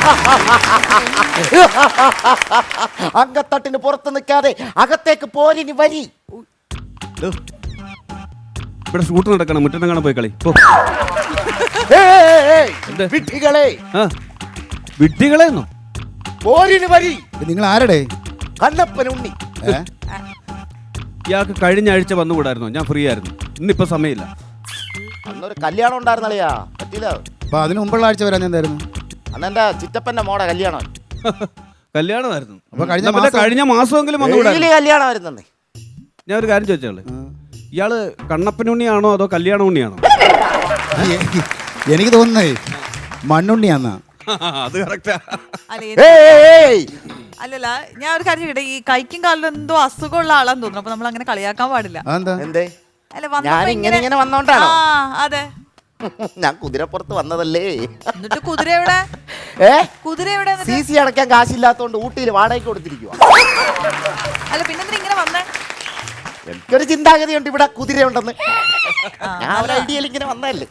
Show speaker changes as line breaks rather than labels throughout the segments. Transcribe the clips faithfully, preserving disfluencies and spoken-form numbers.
അങ്കത്തട്ടിന് പുറത്ത് നിൽക്കാതെ അകത്തേക്ക് പോരിനി വരി.
ഇവിടെ ഷൂട്ട് നടക്കണം, മുറ്റം കാണാൻ പോയി കളി.
വിഡ്ഢികളെ
വിഡ്ഢികളെന്നോ?
പോരിന് വരി.
നിങ്ങൾ ആരുടെ?
കണ്ണപ്പൻ ഉണ്ണി.
ഇയാൾക്ക് കഴിഞ്ഞ ആഴ്ച വന്നുകൂടായിരുന്നോ? ഞാൻ ഫ്രീ ആയിരുന്നു, ഇന്നിപ്പോ സമയമില്ല.
അന്നൊരു കല്യാണം ഉണ്ടായിരുന്നല്ലയാ, പറ്റില്ല.
അപ്പൊ അതിന് മുമ്പുള്ള ആഴ്ച വരാൻ എന്തായിരുന്നു?
അന്ന് എന്റെ ചിറ്റപ്പന്റെ മോടെ കല്യാണം.
കല്യാണമായിരുന്നു.
അപ്പൊ കഴിഞ്ഞ
കഴിഞ്ഞ മാസമെങ്കിലും വന്നുകൂടായിരുന്നു.
കല്യാണമായിരുന്നേ.
ഞാൻ ഒരു കാര്യം ചോദിച്ചോളെ, ഇയാള് കണ്ണപ്പനുണ്ണിയാണോ അതോ കല്യാണ ഉണ്ണിയാണോ?
എനിക്ക് തോന്നുന്നേ മണ്ണുണ്ണിയാന്നാ.
അത് കറക്റ്റാ.
അല്ലല്ല, ഞാൻ ഒരു കാര്യം ചോദിക്കട്ടെ, ഈ കൈക്കും കാലിലും എന്തോ അസുഖമുള്ള ആളാന്ന് തോന്നുന്നു. അപ്പൊ നമ്മൾ അങ്ങനെ കളിയാക്കാൻ പാടില്ല.
എന്തേ?
അല്ല,
ഞാൻ ഇങ്ങനെ ഇങ്ങനെ വന്നോണ്ടാണോ?
അതെ,
ഞാൻ കുതിരപ്പുറത്ത് വന്നതല്ലേ.
എന്നിട്ട് കുതിര എവിടെ?
ഏ
കുതിര എവിടെ?
സി സി അടയ്ക്കാൻ കാശില്ലാത്തോണ്ട് ഊട്ടിയിൽ വാടകയ്ക്ക് കൊടുത്തിരിക്കുക.
അല്ല, പിന്നെ ഇങ്ങനെ വന്നേ?
എനിക്കൊരു ചിന്താഗതി ഉണ്ട് ഇവിടെ കുതിര ഉണ്ടെന്ന്. ഞാൻ ഒരു ഐഡിയയിൽ ഇങ്ങനെ വന്നതല്ലേ.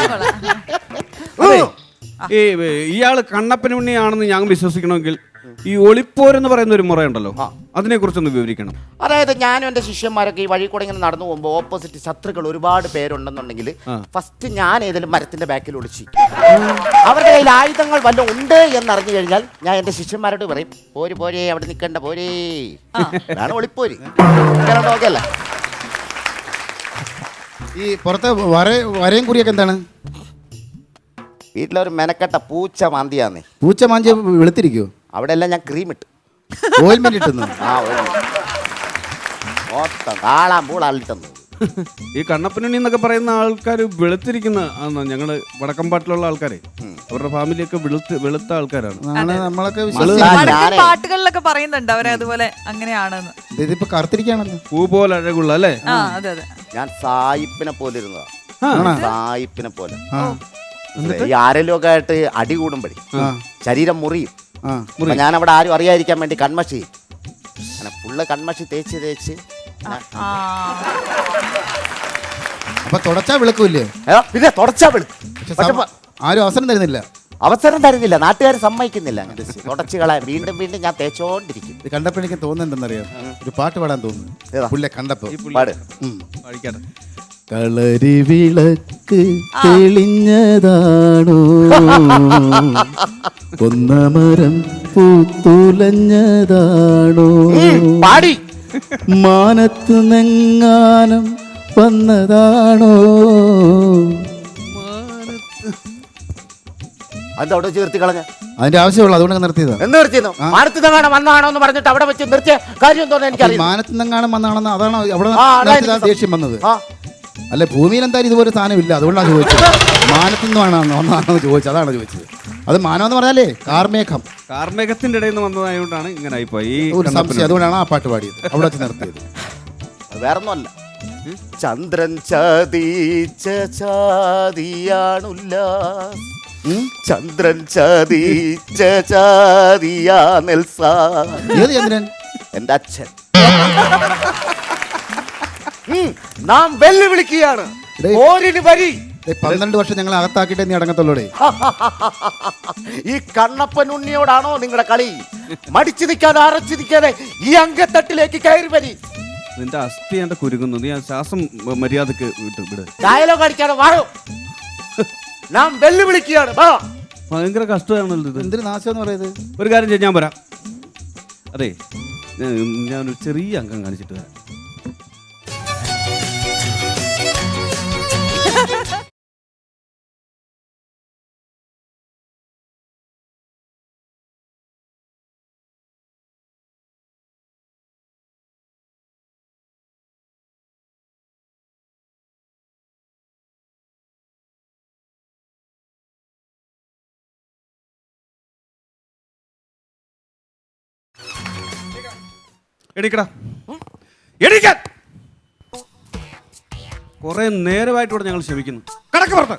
ഈ ഇയാള് കണ്ണപ്പനുണ്ണിയാണെന്ന് ഞാൻ വിശ്വസിക്കണമെങ്കിൽ ഈ ഒളിപ്പോരെന്ന് പറയുന്ന ഒരു മുറയുണ്ടല്ലോ, അതിനെ കുറിച്ചൊന്ന് വിവരിക്കണം.
അതായത് ഞാനും എന്റെ ശിഷ്യന്മാരൊക്കെ ഈ വഴി കൂടെ ഇങ്ങനെ നടന്നു പോകുമ്പോൾ ഓപ്പോസിറ്റ് ശത്രുക്കൾ ഒരുപാട് പേരുണ്ടെന്നുണ്ടെങ്കിൽ ഫസ്റ്റ് ഞാൻ ഏതെങ്കിലും മരത്തിന്റെ ബാക്കിൽ ഒളിച്ച് അവരുടെ കയ്യിൽ ആയുധങ്ങൾ വല്ലതും ഉണ്ട് എന്നറിഞ്ഞു കഴിഞ്ഞാൽ ഞാൻ എന്റെ ശിഷ്യന്മാരോട് പറയും, പോര് പോരേ, അവിടെ നിൽക്കണ്ട, പോരേ, അതാണ് ഒളിപ്പോര്. ഓക്കെ അല്ലേ?
ഈ പുറത്തെ വര വരയും കുറിയൊക്കെ എന്താണ്?
വീട്ടിലൊരു മെനക്കെട്ട പൂച്ച മാന്തിയാന്നേ.
പൂച്ച മാഞ്ചി വെളുത്തിരിക്കുവോ?
അവിടെ എല്ലാം ഞാൻ ക്രീം ഇട്ടു,
ഓയിൽമെന്റ് ഇട്ടുന്നു.
ആ മൊത്തം കാളാൻ പൂളാളിട്ടെന്നു.
ഈ കണ്ണപ്പനുണ്ണി എന്നൊക്കെ പറയുന്ന ആൾക്കാർ വെളുത്തിരിക്കുന്ന ഞങ്ങള് വടക്കമ്പാട്ടിലുള്ള ആൾക്കാരെ, അവരുടെ ഫാമിലിയൊക്കെ വെളുത്ത് വെളുത്ത ആൾക്കാരാണ്.
നമ്മളൊക്കെ
പാട്ടുകളിലൊക്കെ പറയുന്നുണ്ട് അവരെ അതുപോലെ അങ്ങനെയാണെന്ന്.
ഇതിപ്പോ കറുത്തിരിക്കുകയാണല്ലോ,
പൂ പോലെ അഴകുള്ള അല്ലേ?
അതെ അതെ.
ഞാൻ സായിപ്പിനെ പോലെ ഇരുന്നതാ, സായിപ്പിനെ പോലെ. ഈ ആരെങ്കിലും ഒക്കെ ആയിട്ട് അടി കൂടുമ്പഴേ ശരീരം മുറിയും. ഞാൻ അവിടെ ആരും അറിയാതിരിക്കാൻ വേണ്ടി കൺമഷി അങ്ങനെ ഫുള്ള് കൺമഷി തേച്ച് തേച്ച്.
അപ്പൊ തുടച്ചാ വിളക്കൂല്ലേ?
പിന്നെ തുടച്ചാ വിളിക്കും,
ആരും അവസരം തരുന്നില്ല.
അവസരം തരുന്നില്ല, നാട്ടുകാർ സമ്മതിക്കുന്നില്ല. അങ്ങനെ തുടച്ചു കളയാൻ വീണ്ടും വീണ്ടും ഞാൻ തേച്ചോണ്ടിരിക്കും.
ഇത് കണ്ടപ്പോ എനിക്ക് തോന്നുന്നുണ്ടെന്നറിയാം, ഒരു പാട്ട് പാടാൻ തോന്നുന്നു പുള്ളിയെ കണ്ടപ്പോ.
പാട്.
കളരി വിളക്ക് തെളിഞ്ഞതാണോ, കൊന്നമരം പൂത്തുലഞ്ഞതാണോ,
പാടി
മാനത്തു നെങ്ങാനം വന്നതാണോ.
അതവിടെ ചേർത്തി കളഞ്ഞ
അതിന്റെ ആവശ്യമുള്ളൂ, അതുകൊണ്ട് നിർത്തിയതാ.
എന്ന് നിർത്തിയെന്നോ? മാനത്ത് നിന്നാണ് വന്നാണോ എന്ന് പറഞ്ഞിട്ട് അവിടെ വെച്ച് നിർത്തിയ കാര്യം തോന്നുന്നു എനിക്കറിയാം.
മാനത്ത് നിന്നെങ്ങാനും വന്നാണെന്ന് അതാണ് അവിടെ ദേഷ്യം വന്നത്. അല്ല, ഭൂമിയിൽ എന്തായാലും ഇതുപോലെ സാധനം ഇല്ല, അതുകൊണ്ടാണ് ചോദിച്ചത്. മാനത്തു നിന്നാണോ ഒന്നാണോ ചോദിച്ചത്, അതാണ് ചോദിച്ചത്. അത് മാനം എന്ന് പറഞ്ഞാലേ കാർമേഘം,
കാർമേഘത്തിന്റെ ഇടയിൽ നിന്ന് വന്നതായോണ്ടാണ് ഇങ്ങനെ ആയിപ്പോയി
ഒരു സംശയം. അതുകൊണ്ടാണ് ആ പാട്ട് പാടിയത്, അവിടെ വെച്ച് നിർത്തിയത്.
വേറൊന്നുമല്ല, ചന്ദ്രൻ ചതീച്ച ചാതിയാണുല്ല, ചന്ദ്രൻ ചതീച്ച ചാതിയാ നെൽസ.
ഏത് ചന്ദ്രൻ?
എന്റെ അച്ഛൻ. നാം വെല്ലുവിളിക്കുകയാണ്, പോരിന് വരി.
പന്ത്രണ്ട് വർഷം ഞങ്ങൾ അകത്താക്കിയിട്ടേ നീ അടങ്ങത്തുള്ളൂടെ.
ഈ കണ്ണപ്പൻ ഉണ്ണിയോടാണോ നിങ്ങളുടെ കളി? മടിച്ചു നിൽക്കാതെ അറച്ചു നിൽക്കാതെ ഈ അങ്കത്തട്ടിലേക്ക് കയറി വരി.
നിന്റെ അസ്ഥി എന്റെ കുരുങ്ങുന്നു, നീ ആ ശ്വാസം മര്യാദക്ക് വിട്ടു വിട്.
ഡയലോഗ് അടിക്കാതെ വാഴോ. നാം വെല്ലുവിളിക്കുകയാണ്.
ഭയങ്കര കഷ്ടമാണല്ലോ ഇത്.
എന്തൊരു നാശം എന്ന് പറയുന്നത്.
ഒരു കാര്യം ചെയ്യാൻ, ഞാൻ വരാം. അതെ, ഞാനൊരു ചെറിയ അംഗം കാണിച്ചിട്ട് വരാം. എണീക്കടാ, എണീക്കാൻ. കുറെ നേരമായിട്ടൂടെ ഞങ്ങൾ ക്ഷമിക്കുന്നു. കടക്ക് പുറത്ത്,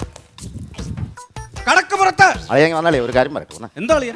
കടക്ക് പുറത്ത്.
അളിയൻ വന്നാലേ ഒരു കാര്യം പറയട്ടെ.
എന്താ അളിയൻ?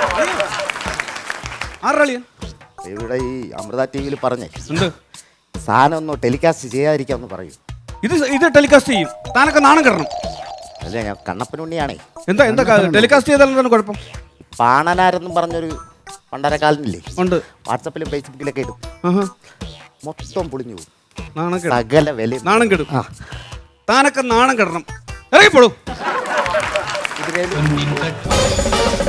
ആരുടെ അളിയൻ?
ഇവിടെ ഈ അമൃത ടി വിയിൽ പറഞ്ഞേ
എന്ത്
സാധനം ഒന്ന് ടെലികാസ്റ്റ് ചെയ്യാതിരിക്കാന്ന് പറയൂ.
ഇത് ഇത് ടെലികാസ്റ്റ് ചെയ്യും. താനൊക്കെ നാണം കിടണം.
അല്ല ഞാൻ കണ്ണപ്പനുണ്ണിയാണേ.
എന്താ എന്താ ടെലികാസ്റ്റ് ചെയ്താലും എന്താണ് കുഴപ്പം?
പാണനാരെന്നും പറഞ്ഞൊരു പണ്ടരക്കാലനില്ലേ,
ഉണ്ട്.
വാട്സപ്പിലും ഫേസ്ബുക്കിലൊക്കെ ഇടും.
ആഹാ.
മൊത്തം പൊളിഞ്ഞു പോകും.
നാണം കെടും.
സകല വില
നാണം കെടും. താനൊക്കെ നാണം കെടണം. ഇറങ്ങിപ്പോളൂ.
ഇതിനേലും